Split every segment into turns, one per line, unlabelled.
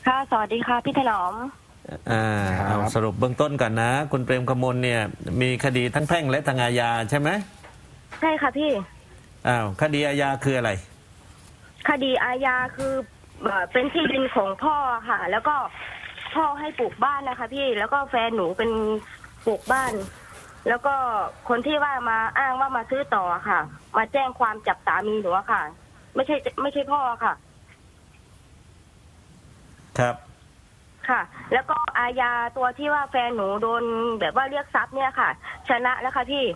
ค่ะสวัสดีค่ะพี่ถนอม
อ่าเอาสรุปเบื้องต้นก่อนนะคุณเปรมกมลเนี่ยมีคดีทั้งแพ่งและทางอาญาใช่ไหม
ใช่ค่ะพี่
คดีอาญาคืออะไร
คดีอาญาคือเป็นที่ดินของพ่อค่ะ แล้วก็พ่อให้ปลูกบ้านนะคะพี่แล้วก็แฟนหนูเป็นปลูกบ้าน แล้วก็คนที่ว่ามาอ้างว่ามาซื้อต่อค่ะ มาแจ้งความจับสามีหนูอะค่ะ ไม่ใช่พ่อค่ะ
ครับ
ค่ะ แล้วก็อาญาตัวที่ว่าแฟนหนูโดนแบบว่าเรียกทรัพย์เนี่ยค่ะ ชนะแล้วค่ะพี่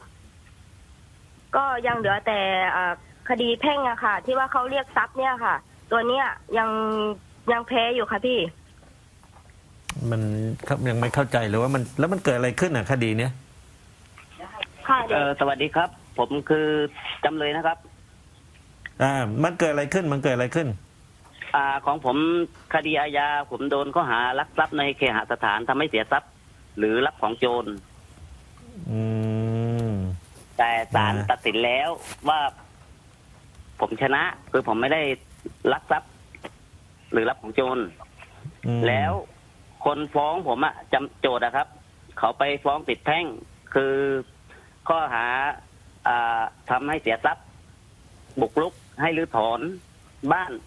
ก็ยังเหลือแต่คดีแพ่งอะค่ะ ที่ว่าเขาเรียกทรัพย์เนี่ยค่ะ ตัวเนี้ยยังแพ้อยู่ค่ะพี่
มันยังไม่เข้าใจเลยว่ามันแล้วมันเกิดอะไรขึ้นคดีเนี้ย
ค่ะ
สวัสดีครับผมคือจำเลยนะครับ
มันเกิดอะไรขึ้น
ของผมคดีอาญาผมโดนข้อหารักทรัพย์ในเคหสถานทำให้เสียทรัพย์ หรือรับของโจรแต่ศาลตัดสินแล้วว่าผมชนะคือผมไม่ได้ลักทรัพย์ หรือรับของโจรแล้วคนฟ้องผมจำโจทย์ครับเขาไปฟ้องติดแพ่งคือข้อหาทำให้เสียทรัพย์บุกรุกให้รื้อถอนบ้าน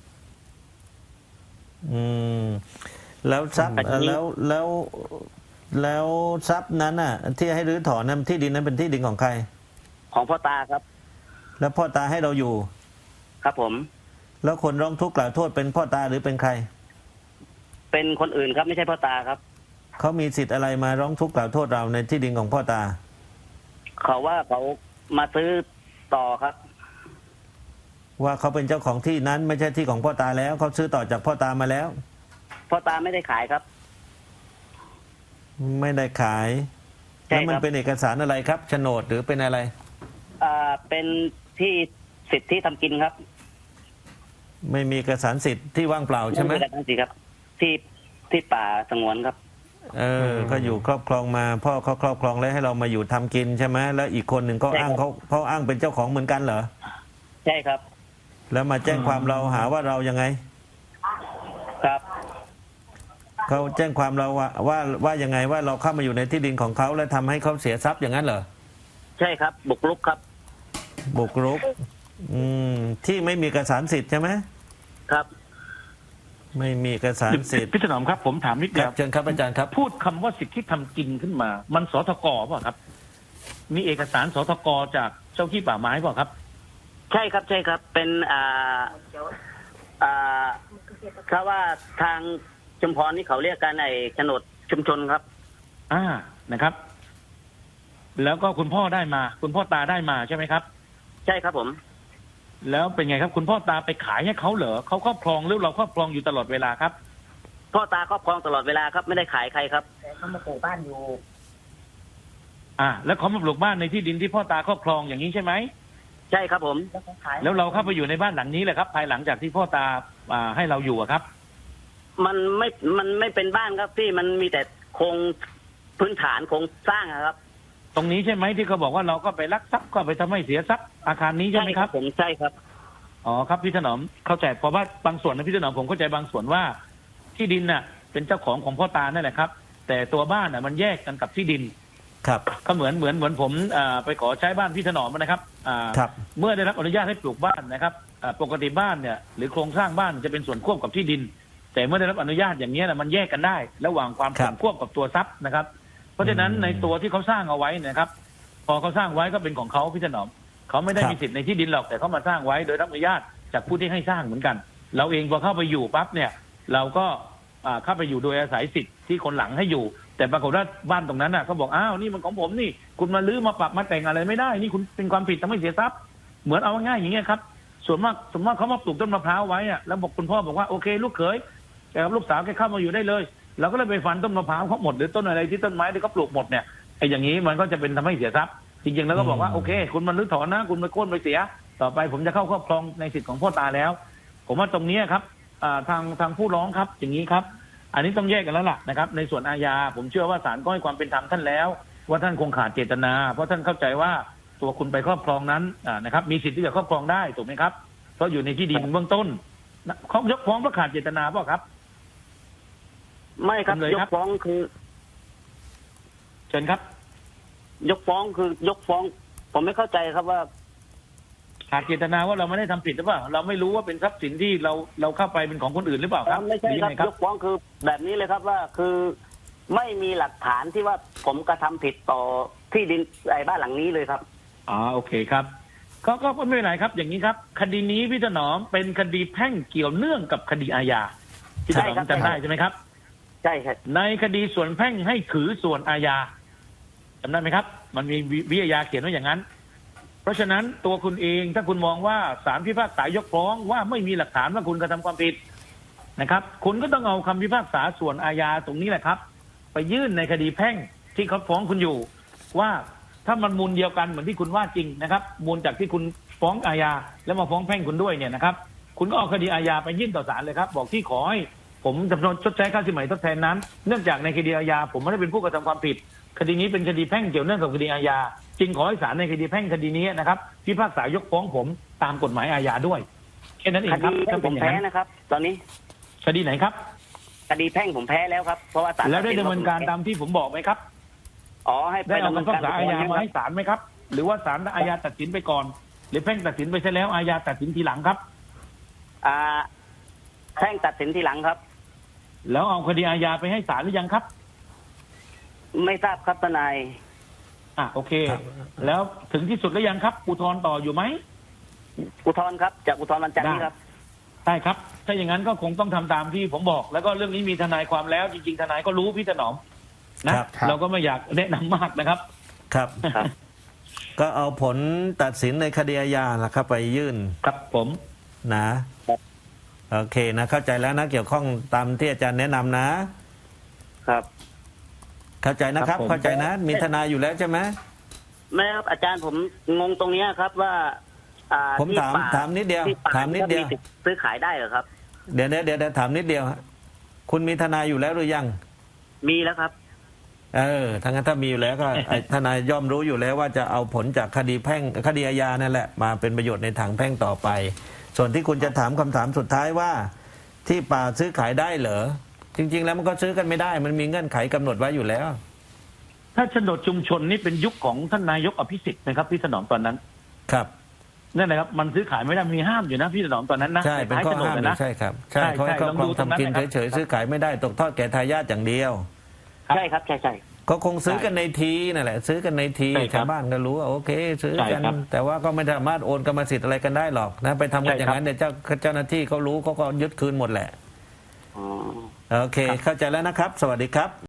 แล้วทรัพย์แล้วทรัพย์นั้นที่ให้รื้อถอนนั้นที่ดินนั้นเป็นที่ดินของใคร
ของพ่อตาครับ
แล้วพ่อตาให้เราอยู่
ครับผม
แล้วคนร้องทุกข์กล่าวโทษเป็นพ่อตาหรือเป็นใคร
เป็นคนอื่นครับไม่ใช่พ่อตาครับ
เขามีสิทธิ์อะไรมาร้องทุกข์กล่าวโทษเราในที่ดินของพ่อตา
เขาว่าเขามาซื้อต่อครับ
ว่าเขาเป็นเจ้าของที่นั้นไม่ใช่ที่ของพ่อตาแล้วเขาซื้อต่อจากพ่อตามาแล้ว
พ่อตาไม่ได้ขายครับ
ไม่ได้ขายแล้วมันเป็นเอกสารอะไรครับโฉนดหรือเป็นอะไร
เป็นที่สิทธิทำกินครับ
ไม่มีเอกสารสิทธิ์ที่ว่างเปล่าใช่ไหม
ไม่มีเอกสารสิทธิ์ครับที่ป่าสงวนครับ
ก็อยู่ครอบครองมาพ่อเขาครอบครองแล้วให้เรามาอยู่ทำกินใช่ไหมแล้วอีกคนหนึ่งก็อ้างเขาอ้างเป็นเจ้าของเหมือนกันเหรอ
ใช่ครับ
แล้วมาแจ้งความเราหาว่าเรายังไง
ครับ
เขาแจ้งความเราว่ายังไงว่าเราเข้ามาอยู่ในที่ดินของเขาแล้วทำให้เขาเสียทรัพย์อย่างนั้นเหรอ
ใช่ครับบุกรุกครับ
บุกรุกที่ไม่มีเอกสารสิทธิ์ใช่ไหม
ครับ
ไม่มีเอกสารสิทธิ์
พี่ถนอมครับผมถามนิดเดียว
เชิญครับอาจารย์ครับ
พูดคำว่าสิทธิทำกินขึ้นมามันสทกป่ะครับมีเอกสารสทกจากเจ้าที่ป่าไม้ป่ะครับ
ใช่ครับใช่ครับเป็นถ้าว่าทางชุมพรนี่เขาเรียกกันโฉนดชุมชนครับ
นะครับ แล้วก็คุณพ่อได้มาคุณพ่อตาได้มาใช่ไหมครับ
ใช่ครับผม
แล้วเป็นไงครับคุณพ่อตาไปขายให้เขาเหรอเขาครอบครองหรือเราครอบครองอยู่ตลอดเวลาครับ
พ่อตาครอบครองตลอดเวลาครับไม่ได้ขายใครครับ
แต่เขามาปลูกบ้านอยู่
แล้วเขามาปลูกบ้านในที่ดินที่พ่อตาครอบครองอย่างนี้ใช่ไหม
ใช่ครับผม
แล้วเราเข้าไปอยู่ในบ้านหลังนี้แหละครับภายหลังจากที่พ่อตาให้เราอยู่ครับ
มันไม่เป็นบ้านครับพี่มันมีแต่โครงพื้นฐานโครงสร้างครับ
ตรงนี้ใช่ไหมที่เขาบอกว่าเราก็ไปลักทรัพย์ก็ไปทำให้เสียทรัพย์อาคารนี้ใช่ไหมครับ
ผมใช่ครับ
ครับพี่ถนอมเข้าใจเพราะว่าบางส่วนนะพี่ถนอมผมเข้าใจบางส่วนว่าที่ดินน่ะเป็นเจ้าของพ่อตานั่นแหละครับแต่ตัวบ้านน่ะมันแยกกันกับที่ดิน
ครับ
ก็เหมือนผมไปขอใช้บ้านพี่ถนอมนะครับเมื่อได้รับอนุญาตให้ปลูกบ้านนะครับปกติบ้านเนี่ยหรือโครงสร้างบ้านจะเป็นส่วนควบกับที่ดินแต่เมื่อได้รับอนุญาตอย่างนี้นะมันแยกกันได้ระหว่างความส่วนควบกับตัวทรัพย์นะครับเพราะฉะนั้นในตัวที่เขาสร้างเอาไว้นะครับพอเขาสร้างไว้ก็เป็นของเขาพี่ถนอมเขาไม่ได้มีสิทธิ์ในที่ดินหรอกแต่เขามาสร้างไว้โดยรับอนุญาตจากผู้ที่ให้สร้างเหมือนกันเราเองพอเข้าไปอยู่ปั๊บเนี่ยเราก็เข้าไปอยู่โดยอาศัยสิทธิ์ที่คนหลังให้อยู่แต่ปรากฏว่าบ้านตรงนั้นเขาบอกอ้าวนี่มันของผมนี่คุณมาลื้อมาปรับมาแต่งอะไรไม่ได้นี่คุณเป็นความผิดทำให้เสียทรัพย์เหมือนเอาง่ายอย่างเงี้ยครับส่วนมากเขามาปลูกต้นมะพร้าวไว้แล้วบอกคุณพ่อบอกว่าโอเคลูกเขยแต่ลูกสาวแกเข้ามาอยู่ได้เลยเราก็เลยไปฟันต้นมะพร้าวเขาหมดหรือต้นอะไรที่ต้นไม้ที่เขาปลูกหมดเนี่ยไอ้อย่างนี้มันก็จะเป็นทำให้เสียทรัพย์จริงๆแล้วก็บอกว่าโอเคคุณมันรื้อถอนนะคุณไปโค่นไปเสียต่อไปผมจะเข้าครอบครองในสิทธิ์ของพ่อตาแล้วผมว่าตรงนี้ครับทางผู้ร้องครับอย่างนี้ครับอันนี้ต้องแยกกันแล้วล่ะนะครับในส่วนอาญาผมเชื่อว่าศาลก็ให้ความเป็นธรรมท่านแล้วว่าท่านคงขาดเจตนาเพราะท่านเข้าใจว่าตัวคุณไปครอบครองนั้นนะครับมีสิทธิ์ที่จะครอบครองได้ถูกไหมครับเพราะอยู่ในที่ดินเบื้องต้นเขายกฟ้องเพราะขาดเจตนาเปล่าครับ
ไม่ครับ
จำเลย
ย
ครั
ก
บ
ฟ้องคือ
เชิญครับ
ยกฟ้องคือยกฟ้อง ผมไม่เข้าใจครับว่า
ขาดเจตนาว่าเราไม่ได้ทำผิดหรือเปล่าเราไม่รู้ว่าเป็นทรัพย์สินที่เราเข้าไปเป็นของคนอื่นหรือเปล่าครับ
ไม่ใช่
หรือ
ค
ยั
รับ
งไงครับ
ยกฟ้องคือแบบนี้เลยครับว่าคือไม่มีหลักฐานที่ว่าผมกระทำผิดต่อที่ดินไอ้บ้านหลังนี้เลยครับ
โอเคครับก็ไม่เป็นไรครับ อย่างนี้ครับ คดีนี้พี่ถนอมเป็นคดีแพ่งเกี่ยวเนื่องกับคดีอาญาพี่ถนอมจำได้ใช่ไหมครับ
ใช่ครับ
ในคดีส่วนแพ่งให้ถือส่วนอาญาจำได้ไหมครับ มันมีวิอาญาเขียนไว้อย่างนั้น เพราะฉะนั้นตัวคุณเองถ้าคุณมองว่าศาลพิพากษายกฟ้องว่าไม่มีหลักฐานว่าคุณกระทำความผิดนะครับ คุณก็ต้องเอาคำพิพากษาส่วนอาญาตรงนี้แหละครับ ไปยื่นในคดีแพ่งที่เขาฟ้องคุณอยู่ ว่าถ้ามันมูลเดียวกันเหมือนที่คุณว่าจริงนะครับ มูลจากที่คุณฟ้องอาญาแล้วมาฟ้องแพ่งคุณด้วยเนี่ยนะครับ คุณก็เอาคดีอาญาไปยื่นต่อศาลเลยครับ บอกที่ขอให้ผมจำนวนชดใช้ค่าสินไหมทดแทนนั้น เนื่องจากในคดีอาญาผมไม่ได้เป็นผู้กระทำความผิด คดีนี้เป็นคดีแพ่งเกี่ยวเนื่องกับคดีอาญาจึงขอให้ศาลในคดีแพ่งคดีนี้นะครับพิพากษายกฟ้องผมตามกฎหมายอาญาด้วยแค่นั้นเอง
ค
ครับ
ดีแพ่
ถ้าง
ผ
เป็น
ม
อย่าง
แพ้
นั้น
นะครับ ตอนนี้
คดีไหนครับ
คดีแพ่งผมแพ้แล้วครับเพราะว่าศาล
แล้วได้ดำเนินการตามที่ผมบอกไหมครับ
อ๋อให้ไป
ได้เอา
ดำเนิน
คำพิพากษาอาญามาให้
ครับ
ศาลไหมครับ หรือว่าศาลอาญาตัดสินไปก่อน หรือแพ่งตัดสินไปใช่แล้วอาญาตัดสินทีหลังครับ
แพ่งตัดสินทีหลังครับ
แล้วเอาคดีอาญาไปให้ศาลหรือยังครับ
ไม่ทราบครับทนาย
โอเค แล้วถึงที่สุดแล้วยังครับอุทธรณ์ต่ออยู่ไหม
อุทธรณ์ครับจากอุทธรณ์วันจันทร์นี้ครับ
ใช่ครับ ถ้าอย่างนั้นก็คงต้องทำตามที่ผมบอก แล้วก็เรื่องนี้มีทนายความแล้ว จริงๆทนายก็รู้พี่ถนอมนะครับ เราก็ไม่อยากแนะนำมากนะครับ
ครับ
ครับ
ก็เอาผลตัดสินในคดีอาญาล่ะครับไปยื่น
ครับผม
นะครับ โอเคนะเข้าใจแล้วนะเกี่ยวข้องตามที่อาจารย์แนะนำนะ
ครับ
เข้าใจนะครับ เข้าใจนะ มีทนายอยู่แล้วใช่ไหม
ไม่ครับอาจารย์ผมงงตรงเนี้ยครับว่า
ผม
ที่
ถาม
ป่
ถามนิดเดียว
ที่ป่
ถามนิดเดียว
สิทธิ์ซื้อขายได้เหรอครับ
เดี๋ยวถามนิดเดียวฮะคุณมีทนายอยู่แล้วหรือยัง
มีแล้วครับ
ถ้างั้นถ้ามีอยู่แล้วก็ ทนายย่อมรู้อยู่แล้วว่าจะเอาผลจากคดีแพ่งคดีอาญานั่นแหละมาเป็นประโยชน์ในทางแพ่งต่อไป ส่วนที่คุณจะถามคำถามสุดท้ายว่า ที่ป่าซื้อขายได้เหรอจริง ๆ แล้วมันก็ซื้อกันไม่ได้ มันมีเงื่อนไขกำหนดไว้อยู่แล้ว
ถ้าโฉนดชุมชนนี่เป็นยุคของท่านนายกอภิสิทธิ์นะครับพี่ถนอมตอนนั้น
ครับ
นั่นแหละครับมันซื้อขายไม่ได้มีห้ามอยู่นะพี่ถนอมตอนนั้นนะ
ใช่เป็นข้อห้าม
ท้ยโฉนด
เล
นะ
ยใช่ครับใช่
ใช่
เขาให้
ใช่
ครอบครอง
ลองดูตรงนั้น
ทำกิน
นะครับ
เฉยๆซื้อขายไม่ได้ตกทอดแก่ทายาทอย่างเดียว
ใช่ครับใช่ใช่
ก็คงซื้อกันในทีนั่นแหละ ซื้อกันในที
ใช่ครับ
ชาวบ้านก็รู้ว่าโอเค ซื้อ
ใช่
กัน
ครับ
แต่ว่าก็ไม่สามารถโอนกรรมสิทธิ์อะไรกันได้หรอกนะไปทำกัน
ใช่
อย่าง
ครับ
นั้นเนี่ยเจ้าหน้าที่เขารู้เขาก็ยึดคืนหมดแหละ
อ๋อ
โอเค เข้าใจแล้วนะครับ สวัสดีครับ